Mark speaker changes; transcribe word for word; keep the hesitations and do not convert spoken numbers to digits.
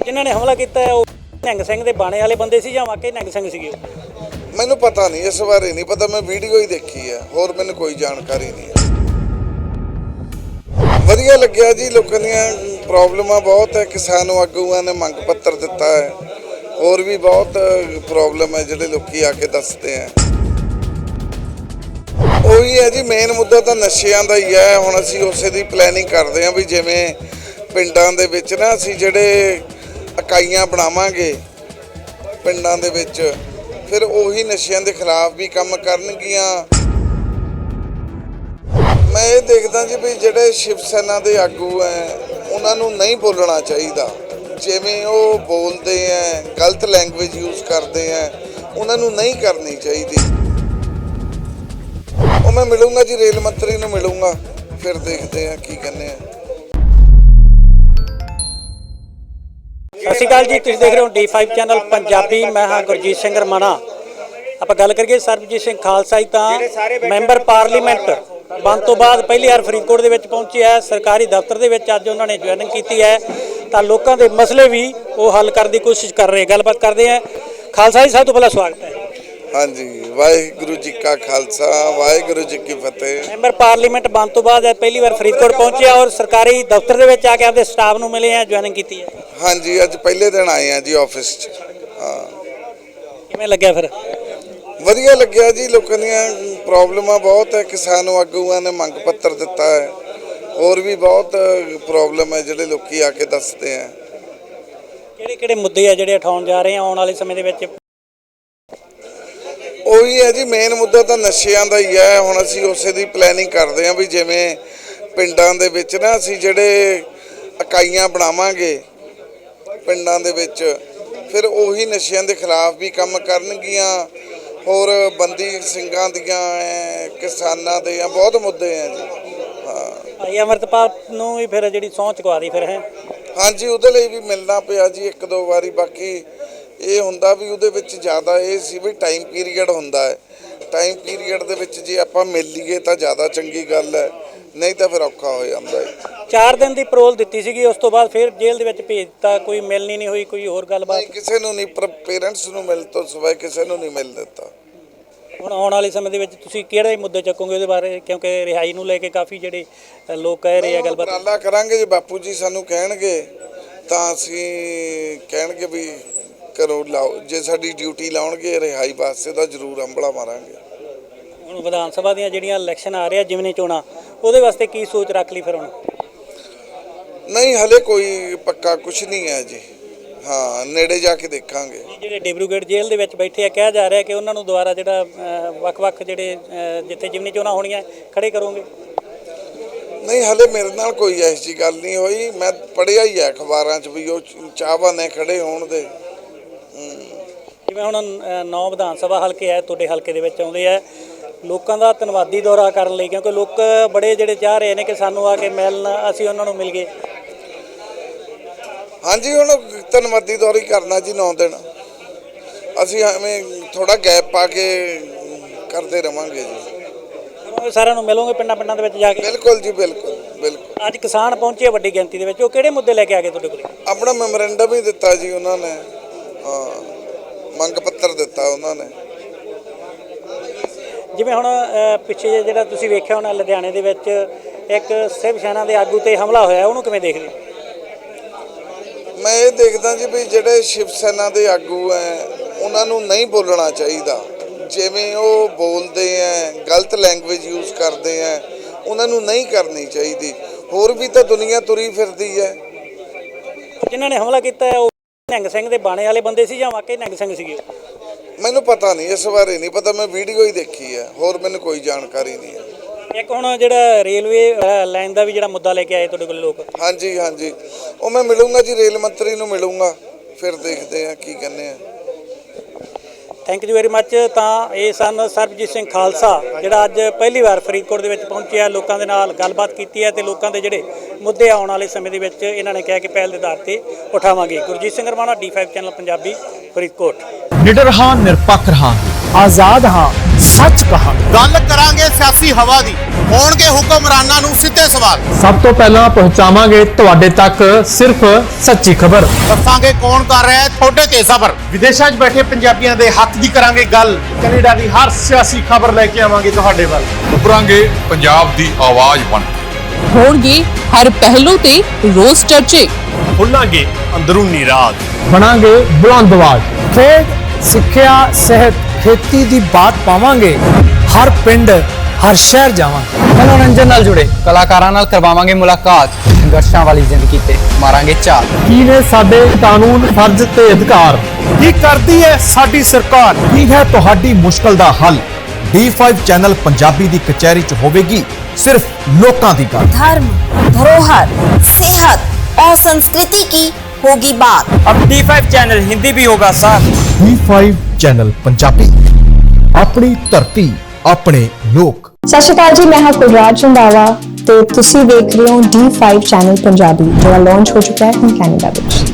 Speaker 1: ਜਿਨ੍ਹਾਂ ਨੇ ਹਮਲਾ ਕੀਤਾ ਹੈ ਉਹ ਨਿਹੰਗ ਸਿੰਘ ਦੇ ਬਾਣੇ ਵਾਲੇ ਬੰਦੇ ਸੀ ਜਾਂ ਵਾਕਈ ਨਿਹੰਗ ਸਿੰਘ ਸੀਗੇ?
Speaker 2: ਮੈਨੂੰ ਪਤਾ ਨਹੀਂ, ਇਸ ਬਾਰੇ ਨਹੀਂ ਪਤਾ। ਮੈਂ ਵੀਡੀਓ ਹੀ ਦੇਖੀ ਹੈ, ਹੋਰ ਮੈਨੂੰ ਕੋਈ ਜਾਣਕਾਰੀ ਨਹੀਂ ਹੈ। ਵਧੀਆ ਲੱਗਿਆ ਜੀ। ਲੋਕਾਂ ਦੀਆਂ ਪ੍ਰੋਬਲਮਾਂ ਬਹੁਤ ਹੈ, ਕਿਸਾਨ ਆਗੂਆਂ ਨੇ ਮੰਗ ਪੱਤਰ ਦਿੱਤਾ ਹੈ, ਹੋਰ ਵੀ ਬਹੁਤ ਪ੍ਰੋਬਲਮ ਹੈ ਜਿਹੜੇ ਲੋਕੀ ਆ ਕੇ ਦੱਸਦੇ ਆ। ਉਹੀ ਹੈ ਜੀ, ਮੇਨ ਮੁੱਦਾ ਤਾਂ ਨਸ਼ਿਆਂ ਦਾ ਹੀ ਹੈ। ਹੁਣ ਅਸੀਂ ਉਸੇ ਦੀ ਪਲੈਨਿੰਗ ਕਰਦੇ ਹਾਂ ਵੀ ਜਿਵੇਂ ਪਿੰਡਾਂ ਦੇ ਵਿੱਚ ਨਾ ਅਸੀਂ ਜਿਹੜੇ ਇਕਾਈਆਂ ਬਣਾਵਾਂਗੇ ਪਿੰਡਾਂ ਦੇ ਵਿੱਚ, ਫਿਰ ਉਹੀ ਨਸ਼ਿਆਂ ਦੇ ਖਿਲਾਫ ਵੀ ਕੰਮ ਕਰਨਗੀਆਂ। ਮੈਂ ਇਹ ਦੇਖਦਾ ਜੀ ਵੀ ਜਿਹੜੇ ਸ਼ਿਵ ਸੈਨਾ ਦੇ ਆਗੂ ਹੈ ਉਹਨਾਂ ਨੂੰ ਨਹੀਂ ਬੋਲਣਾ ਚਾਹੀਦਾ। ਜਿਵੇਂ ਉਹ ਬੋਲਦੇ ਹੈ, ਗਲਤ ਲੈਂਗੁਏਜ ਯੂਜ਼ ਕਰਦੇ ਹੈ, ਉਹਨਾਂ ਨੂੰ ਨਹੀਂ ਕਰਨੀ ਚਾਹੀਦੀ। ਉਹ ਮੈਂ ਮਿਲੂੰਗਾ ਜੀ, ਰੇਲ ਮੰਤਰੀ ਨੂੰ ਮਿਲੂੰਗਾ, ਫਿਰ ਦੇਖਦੇ ਆ ਕੀ ਕਹਿੰਦੇ ਆ।
Speaker 1: ਸਤਿ ਸ਼੍ਰੀ ਅਕਾਲ ਜੀ, ਤੁਸੀਂ ਦੇਖ ਰਹੇ ਹੋ ਡੀ ਫਾਈਵ ਚੈਨਲ ਪੰਜਾਬੀ। ਮੈਂ ਹਾਂ ਗੁਰਜੀਤ ਸਿੰਘ ਰਮਾਣਾ। ਆਪਾਂ ਗੱਲ ਕਰੀਏ ਸਰਬਜੀਤ ਸਿੰਘ ਖਾਲਸਾ ਜੀ ਤਾਂ ਮੈਂਬਰ ਪਾਰਲੀਮੈਂਟ ਬਣ ਤੋਂ ਬਾਅਦ ਪਹਿਲੀ ਵਾਰ ਫਰੀਦਕੋਟ ਦੇ ਵਿੱਚ ਪਹੁੰਚੇ ਹੈ। ਸਰਕਾਰੀ ਦਫ਼ਤਰ ਦੇ ਵਿੱਚ ਅੱਜ ਉਹਨਾਂ ਨੇ ਜੁਆਇਨਿੰਗ ਕੀਤੀ ਹੈ ਤਾਂ ਲੋਕਾਂ ਦੇ ਮਸਲੇ ਵੀ ਉਹ ਹੱਲ ਕਰਨ ਦੀ ਕੋਸ਼ਿਸ਼ ਕਰ ਰਹੇ। ਗੱਲਬਾਤ ਕਰਦੇ ਆ। ਖਾਲਸਾ ਜੀ, ਸਭ ਤੋਂ ਪਹਿਲਾਂ ਸਵਾਗਤ ਹੈ।
Speaker 2: ਹਾਂਜੀ, ਵਾਹਿਗੁਰੂ ਜੀ ਕਾ ਖਾਲਸਾ, ਵਾਹਿਗੁਰੂ ਜੀ ਕੀ ਫਤਿਹ।
Speaker 1: ਮੈਂਬਰ ਪਾਰਲੀਮੈਂਟ ਬਣ ਤੋਂ ਬਾਅਦ ਪਹਿਲੀ ਵਾਰ ਫਰੀਦਕੋਟ ਪਹੁੰਚੇ ਔਰ ਸਰਕਾਰੀ ਦਫ਼ਤਰ ਦੇ ਵਿੱਚ ਆ ਕੇ ਆਪਦੇ ਸਟਾਫ ਨੂੰ ਮਿਲੇ ਆ, ਜੁਆਇਨਿੰਗ ਕੀਤੀ ਹੈ।
Speaker 2: ਹਾਂਜੀ, ਅੱਜ ਪਹਿਲੇ ਦਿਨ ਆਏ ਆ ਜੀ ਆਫਿਸ 'ਚ। ਹਾਂ,
Speaker 1: ਕਿਵੇਂ ਲੱਗਿਆ ਫਿਰ?
Speaker 2: ਵਧੀਆ ਲੱਗਿਆ ਜੀ। ਲੋਕਾਂ ਦੀਆਂ ਪ੍ਰੋਬਲਮਾਂ ਬਹੁਤ ਹੈ, ਕਿਸਾਨ ਆਗੂਆਂ ਨੇ ਮੰਗ ਪੱਤਰ ਦਿੱਤਾ ਹੈ, ਹੋਰ ਵੀ ਬਹੁਤ ਪ੍ਰੋਬਲਮ ਹੈ ਜਿਹੜੇ ਲੋਕੀ ਆ ਕੇ ਦੱਸਦੇ ਆ।
Speaker 1: ਕਿਹੜੇ ਕਿਹੜੇ ਮੁੱਦੇ ਆ ਜਿਹੜੇ ਉਠਾਉਣ ਜਾ ਰਹੇ ਆ ਆਉਣ ਵਾਲੇ ਸਮੇਂ ਦੇ ਵਿੱਚ?
Speaker 2: ਉਹੀ ਹੈ ਜੀ, ਮੇਨ ਮੁੱਦਾ ਤਾਂ ਨਸ਼ਿਆਂ ਦਾ ਹੀ ਹੈ। ਹੁਣ ਅਸੀਂ ਉਸੇ ਦੀ ਪਲੈਨਿੰਗ ਕਰਦੇ ਹਾਂ ਵੀ ਜਿਵੇਂ ਪਿੰਡਾਂ ਦੇ ਵਿੱਚ ਨਾ ਅਸੀਂ ਜਿਹੜੇ ਇਕਾਈਆਂ ਬਣਾਵਾਂਗੇ ਪਿੰਡਾਂ ਦੇ ਵਿੱਚ, ਫਿਰ ਉਹੀ ਨਸ਼ਿਆਂ ਦੇ ਖਿਲਾਫ ਵੀ ਕੰਮ ਕਰਨਗੀਆਂ। ਹੋਰ ਬੰਦੀ ਸਿੰਘਾਂ ਦੀਆਂ, ਕਿਸਾਨਾਂ ਦੇ ਆ, ਬਹੁਤ ਮੁੱਦੇ ਆ ਜੀ। ਹਾਂ,
Speaker 1: ਭਾਈ ਅਮਰਤਪਾਲ ਨੂੰ ਵੀ ਫਿਰ ਜਿਹੜੀ ਸਹੁੰ ਚੁਕਵਾ ਦੀ ਫਿਰ ਹੈ?
Speaker 2: ਹਾਂਜੀ, ਉਹਦੇ ਲਈ ਵੀ ਮਿਲਣਾ ਪਿਆ ਜੀ ਇੱਕ ਦੋ ਵਾਰੀ। ਬਾਕੀ ਇਹ ਹੁੰਦਾ ਵੀ ਉਹਦੇ ਵਿੱਚ ਜ਼ਿਆਦਾ ਇਹ ਸੀ ਵੀ ਟਾਈਮ ਪੀਰੀਅਡ ਹੁੰਦਾ ਹੈ। ਟਾਈਮ ਪੀਰੀਅਡ ਦੇ ਵਿੱਚ ਜੇ ਆਪਾਂ ਮਿਲ ਲਈਏ ਤਾਂ ਜ਼ਿਆਦਾ ਚੰਗੀ ਗੱਲ ਹੈ, ਨਹੀਂ ਤਾਂ ਫਿਰ ਔਖਾ ਹੋ ਜਾਂਦਾ ਹੈ।
Speaker 1: ਚਾਰ ਦਿਨ ਦੀ ਪਰੋਲ ਦਿੱਤੀ ਸੀਗੀ, ਉਸ ਤੋਂ ਬਾਅਦ ਫਿਰ ਜੇਲ੍ਹ ਦੇ ਵਿੱਚ ਭੇਜ ਦਿੱਤਾ। ਕੋਈ ਮਿਲਣੀ ਨਹੀਂ ਹੋਈ, ਕੋਈ ਹੋਰ ਗੱਲਬਾਤ?
Speaker 2: ਕਿਸੇ ਨੂੰ ਨਹੀਂ, ਪਰ ਪੇਰੈਂਟਸ ਨੂੰ ਮਿਲ ਤੋਂ ਸਿਵਾਏ ਕਿਸੇ ਨੂੰ ਨਹੀਂ ਮਿਲ ਦਿੱਤਾ।
Speaker 1: ਹੁਣ ਆਉਣ ਵਾਲੇ ਸਮੇਂ ਦੇ ਵਿੱਚ ਤੁਸੀਂ ਕਿਹੜੇ ਮੁੱਦੇ ਚੱਕੋਗੇ ਉਹਦੇ ਬਾਰੇ? ਕਿਉਂਕਿ ਰਿਹਾਈ ਨੂੰ ਲੈ ਕੇ ਕਾਫੀ ਜਿਹੜੇ ਲੋਕ ਕਹਿ ਰਹੇ ਆ ਗੱਲਬਾਤ।
Speaker 2: ਉਪਰਾਲਾ ਕਰਾਂਗੇ ਜੇ ਬਾਪੂ ਜੀ ਸਾਨੂੰ ਕਹਿਣਗੇ ਤਾਂ ਅਸੀਂ ਕਹਿਣਗੇ ਵੀ ਕਰੋ, ਲਾਓ। ਜੇ ਸਾਡੀ ਡਿਊਟੀ ਲਾਉਣਗੇ ਰਿਹਾਈ ਵਾਸਤੇ ਤਾਂ ਜ਼ਰੂਰ ਅੰਬਲਾ ਮਾਰਾਂਗੇ।
Speaker 1: ਹੁਣ ਵਿਧਾਨ ਸਭਾ ਦੀਆਂ ਜਿਹੜੀਆਂ ਇਲੈਕਸ਼ਨ ਆ ਰਹੇ ਆ, ਜਿਮਨੀ ਚੋਣਾਂ, ਉਹਦੇ ਵਾਸਤੇ ਕੀ ਸੋਚ ਰੱਖ ਲਈ ਫਿਰ ਹੁਣ?
Speaker 2: ਨਹੀਂ, ਹਲੇ ਕੋਈ ਪੱਕਾ ਕੁਝ ਨਹੀਂ ਹੈ ਜੀ। ਹਾਂ, ਨੇੜੇ ਜਾ ਕੇ ਦੇਖਾਂਗੇ।
Speaker 1: ਜਿਹੜੇ ਡਿਬਰੂਗੜ੍ਹ ਜੇਲ੍ਹ ਦੇ ਵਿੱਚ ਬੈਠੇ ਆ, ਕਿਹਾ ਜਾ ਰਿਹਾ ਕਿ ਉਹਨਾਂ ਨੂੰ ਦੁਬਾਰਾ ਜਿਹੜਾ ਵੱਖ-ਵੱਖ ਜਿਹੜੇ ਜਿੱਥੇ ਜਿਮਨੀ ਚੋਣਾਂ ਹੋਣੀਆਂ ਖੜੇ ਕਰੋਗੇ?
Speaker 2: ਨਹੀਂ, ਹਲੇ ਮੇਰੇ ਨਾਲ ਕੋਈ ਐਸੀ ਜਿਹੀ ਗੱਲ ਨਹੀਂ ਹੋਈ। ਮੈਂ ਪੜ੍ਹਿਆ ਹੀ ਹੈ ਅਖਬਾਰਾਂ 'ਚ ਵੀ ਉਹ ਚਾਹਵਾਨ ਨੇ ਖੜੇ ਹੋਣ ਦੇ।
Speaker 1: ਜਿਵੇਂ ਹੁਣ ਨੌ ਵਿਧਾਨ ਸਭਾ ਹਲਕੇ ਹੈ ਤੁਹਾਡੇ ਹਲਕੇ ਦੇ ਵਿੱਚ ਆਉਂਦੇ ਆ, ਲੋਕਾਂ ਦਾ ਧੰਨਵਾਦੀ ਦੌਰਾ ਕਰਨ ਲਈ, ਕਿਉਂਕਿ ਲੋਕ ਬੜੇ ਜਿਹੜੇ ਚਾਹ ਰਹੇ ਨੇ ਕਿ ਸਾਨੂੰ ਆ ਕੇ ਮਿਲਣ, ਅਸੀਂ ਉਹਨਾਂ ਨੂੰ ਮਿਲ ਗਏ। ਹਾਂਜੀ, ਹੁਣ
Speaker 2: ਧੰਨਵਾਦੀ ਦੌਰਾ ਹੀ ਕਰਨਾ ਜੀ। ਨੌ ਦਿਨ ਅਸੀਂ ਐਵੇਂ ਥੋੜਾ ਗੈਪ ਪਾ ਕੇ ਕਰਦੇ ਰਵਾਂਗੇ ਜੀ।
Speaker 1: ਸਾਰਿਆਂ ਨੂੰ ਮਿਲੋਗੇ ਪਿੰਡਾਂ ਪਿੰਡਾਂ ਦੇ ਵਿੱਚ ਜਾ ਕੇ?
Speaker 2: ਬਿਲਕੁਲ ਜੀ, ਬਿਲਕੁਲ ਬਿਲਕੁਲ।
Speaker 1: ਅੱਜ ਕਿਸਾਨ ਪਹੁੰਚੇ ਵੱਡੀ ਗਿਣਤੀ ਦੇ ਵਿੱਚ, ਉਹ ਕਿਹੜੇ ਮੁੱਦੇ ਲੈ ਕੇ ਆ ਗਏ ਤੁਹਾਡੇ ਕੋਲ?
Speaker 2: ਆਪਣਾ ਮੈਮੋਰੈਂਡਮ ਹੀ ਦਿੱਤਾ ਜੀ ਉਹਨਾਂ ਨੇ। ਹਾਂ, ਮੰਗ ਪੱਤਰ ਦਿੱਤਾ ਉਹਨਾਂ ਨੇ।
Speaker 1: ਜਿਵੇਂ ਹੁਣ ਪਿੱਛੇ ਜਿਹੜਾ ਤੁਸੀਂ ਵੇਖਿਆ ਹੋਣਾ ਲੁਧਿਆਣੇ ਦੇ ਵਿੱਚ ਇੱਕ ਸ਼ਿਵ ਸੈਨਾ ਦੇ ਆਗੂ ਤੇ ਹਮਲਾ ਹੋਇਆ, ਉਹਨੂੰ ਕਿਵੇਂ ਦੇਖਦੇ?
Speaker 2: ਮੈਂ ਇਹ ਦੇਖਦਾ ਜੀ ਵੀ ਜਿਹੜੇ ਸ਼ਿਵ ਸੈਨਾ ਦੇ ਆਗੂ ਹੈ ਉਹਨਾਂ ਨੂੰ ਨਹੀਂ ਬੋਲਣਾ ਚਾਹੀਦਾ। ਜਿਵੇਂ ਉਹ ਬੋਲਦੇ ਹੈ, ਗਲਤ ਲੈਂਗੁਏਜ ਯੂਜ਼ ਕਰਦੇ ਹੈ, ਉਹਨਾਂ ਨੂੰ ਨਹੀਂ ਕਰਨੀ ਚਾਹੀਦੀ। ਹੋਰ ਵੀ ਤਾਂ ਦੁਨੀਆ ਤੁਰੀ ਫਿਰਦੀ ਹੈ।
Speaker 1: ਜਿਨ੍ਹਾਂ ਨੇ ਹਮਲਾ ਕੀਤਾ ਹੈ ਉਹ ਨਿਹੰਗ ਸਿੰਘ ਦੇ ਬਾਣੇ ਵਾਲੇ ਬੰਦੇ ਸੀ ਜਾਂ ਵਾਕਈ ਨਿਹੰਗ ਸਿੰਘ ਸੀਗੇ?
Speaker 2: ਮੈਨੂੰ ਪਤਾ ਨਹੀਂ, ਇਸ ਬਾਰੇ ਨਹੀਂ ਪਤਾ। ਮੈਂ ਵੀਡੀਓ ਹੀ ਦੇਖੀ ਹੈ, ਹੋਰ ਮੈਨੂੰ ਕੋਈ ਜਾਣਕਾਰੀ ਨਹੀਂ ਹੈ।
Speaker 1: ਇੱਕ ਹੁਣ ਜਿਹੜਾ ਰੇਲਵੇ ਲਾਈਨ ਦਾ ਵੀ ਜਿਹੜਾ ਮੁੱਦਾ ਲੈ ਕੇ ਆਏ ਤੁਹਾਡੇ ਕੋਲ ਲੋਕ?
Speaker 2: ਹਾਂਜੀ ਹਾਂਜੀ, ਉਹ ਮੈਂ ਮਿਲੂੰਗਾ ਜੀ, ਰੇਲ ਮੰਤਰੀ ਨੂੰ ਮਿਲੂੰਗਾ, ਫਿਰ ਦੇਖਦੇ ਆ ਕੀ ਕਹਿੰਦੇ ਆ।
Speaker 1: Thank you very much. ਤਾਂ ਇਹ ਸਨ ਸਰਬਜੀਤ ਸਿੰਘ ਖਾਲਸਾ, ਜਿਹੜਾ ਅੱਜ ਪਹਿਲੀ ਵਾਰ ਫਰੀਦਕੋਟ ਦੇ ਵਿੱਚ ਪਹੁੰਚਿਆ, ਲੋਕਾਂ ਦੇ ਨਾਲ ਗੱਲਬਾਤ ਕੀਤੀ ਹੈ ਤੇ ਲੋਕਾਂ ਦੇ ਜਿਹੜੇ ਮੁੱਦੇ ਆਉਣ ਵਾਲੇ ਸਮੇਂ ਦੇ ਵਿੱਚ ਇਹਨਾਂ ਨੇ ਕਿਹਾ ਕਿ ਪਹਿਲ ਦੇ ਆਧਾਰ ਤੇ ਉਠਾਵਾਂਗੇ। Gurjeet Singh Ramana, D five channel Punjabi, Faridkot.
Speaker 3: ਨਿਡਰ ਹਾਂ, ਨਿਰਪੱਖ ਰਹਾਂਗੇ, ਆਜ਼ਾਦ ਹਾਂ, ਸੱਚ ਕਹਾ।
Speaker 4: ਗੱਲ ਕਰਾਂਗੇ ਸਿਆਸੀ ਹਵਾ ਦੀ, ਹੋਣਗੇ ਹੁਕਮਰਾਨਾਂ ਨੂੰ ਸਿੱਧੇ ਸਵਾਲ।
Speaker 3: ਸਭ ਤੋਂ ਪਹਿਲਾਂ ਪਹੁੰਚਾਵਾਂਗੇ ਤੁਹਾਡੇ ਤੱਕ ਸਿਰਫ ਸੱਚੀ ਖਬਰ।
Speaker 4: ਦੱਸਾਂਗੇ ਕੌਣ ਕਰ ਰਿਹਾ ਹੈ ਤੁਹਾਡੇ ਤੇ ਜ਼ਬਰ। ਵਿਦੇਸ਼ਾਂ 'ਚ ਬੈਠੇ ਪੰਜਾਬੀਆਂ ਦੇ ਹੱਕ ਦੀ ਕਰਾਂਗੇ ਗੱਲ। ਕੈਨੇਡਾ ਦੀ ਹਰ ਸਿਆਸੀ ਖਬਰ ਲੈ ਕੇ ਆਵਾਂਗੇ ਤੁਹਾਡੇ ਵੱਲ।
Speaker 5: ਉੱਭਰਾਂਗੇ ਪੰਜਾਬ ਦੀ ਆਵਾਜ਼ ਬਣ ਕੇ।
Speaker 6: ਹੋਣਗੇ ਹਰ ਪਹਿਲੂ ਤੇ ਰੋਜ਼ ਚਰਚੇ।
Speaker 4: ਖੁੱਲਾਂਗੇ ਅੰਦਰੂਨੀ ਰਾਜ।
Speaker 3: ਬਣਾਂਗੇ ਬੁਲੰਦ ਆਵਾਜ਼। ਖੇਡ, ਸਿੱਖਿਆ, ਸਿਹਤ, ਖੇਤੀ ਦੀ ਬਾਤ ਪਾਵਾਂਗੇ। ਹਰ ਪਿੰਡ, ਹਰ ਸ਼ਹਿਰ ਜਾਵਾਂਗੇ।
Speaker 7: ਮਨੋਰੰਜਨ ਨਾਲ ਜੁੜੇ ਕਲਾਕਾਰਾਂ ਨਾਲ ਕਰਵਾਵਾਂਗੇ ਮੁਲਾਕਾਤ। ਸੰਘਰਸ਼ਾਂ ਵਾਲੀ ਜ਼ਿੰਦਗੀ ਤੇ ਮਾਰਾਂਗੇ ਝਾਤ।
Speaker 3: ਕੀ ਨੇ ਸਾਡੇ ਕਾਨੂੰਨ, ਫਰਜ਼ ਤੇ ਅਧਿਕਾਰ?
Speaker 4: ਕੀ ਕਰਦੀ ਹੈ ਸਾਡੀ ਸਰਕਾਰ?
Speaker 8: ਕੀ ਹੈ ਤੁਹਾਡੀ ਮੁਸ਼ਕਲ ਦਾ ਹੱਲ? ਡੀ ਫਾਈਵ ਚੈਨਲ ਪੰਜਾਬੀ ਦੀ ਕਚਹਿਰੀ 'ਚ ਹੋਵੇਗੀ सिर्फ लोकां दी गल।
Speaker 9: धर्म, धरोहर, सेहत और संस्कृति की होगी बात।
Speaker 7: अब डी फाइव चैनल हिंदी भी होगा साथ।
Speaker 8: डी फाइव चैनल पंजाबी, अपनी धरती अपने लोक।
Speaker 10: सत श्री अकाल जी, मैं हाँ कुलराज रंधावा ते तुसी देख रहे हो डी फाइव चैनल पंजाबी, जो लॉन्च हो चुका है हम कैनेडा विच।